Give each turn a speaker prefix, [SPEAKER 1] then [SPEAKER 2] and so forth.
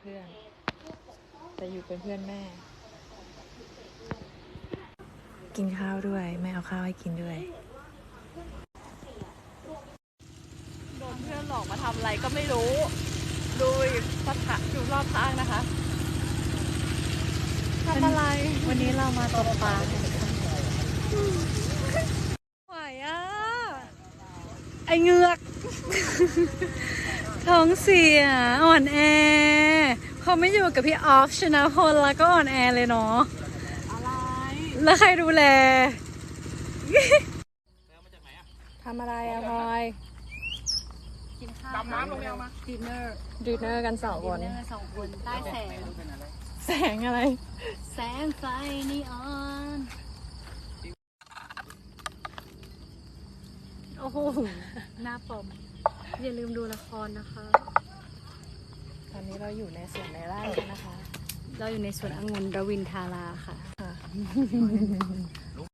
[SPEAKER 1] เพื่อนแต่อยู่เป็นเพื่อนแม่กินข้าวด้วยแม่เอาข้าวให้กินด้วยโดนเพื่อนหลอกมาทำอะไรก็ไม่รู้ดูสถานอยู่รอบข้างนะคะทำอะไรวันนี้เรามาตกปลาไหวอ่ะไอเงือกท้องเสียอ่อนแอเขาไม่อยู่กับพี่ออฟชนะพลแล้วก็อ่อนแอเลยเนาะอะไรแล้วใครดูแลทำอะไรอะพลอยกินข้าวดำน้ำลงแนวมาดินเนอร์กัน2 คนใต้แสงแสงอะไรแสงไฟนีออนโอ้โหหน้าปอมอย่าลืมดูละครนะคะตอนนี้เราอยู่ในสวนในไร่นะคะเราอยู่ในสวนองุ่นรวินทาราค่ะ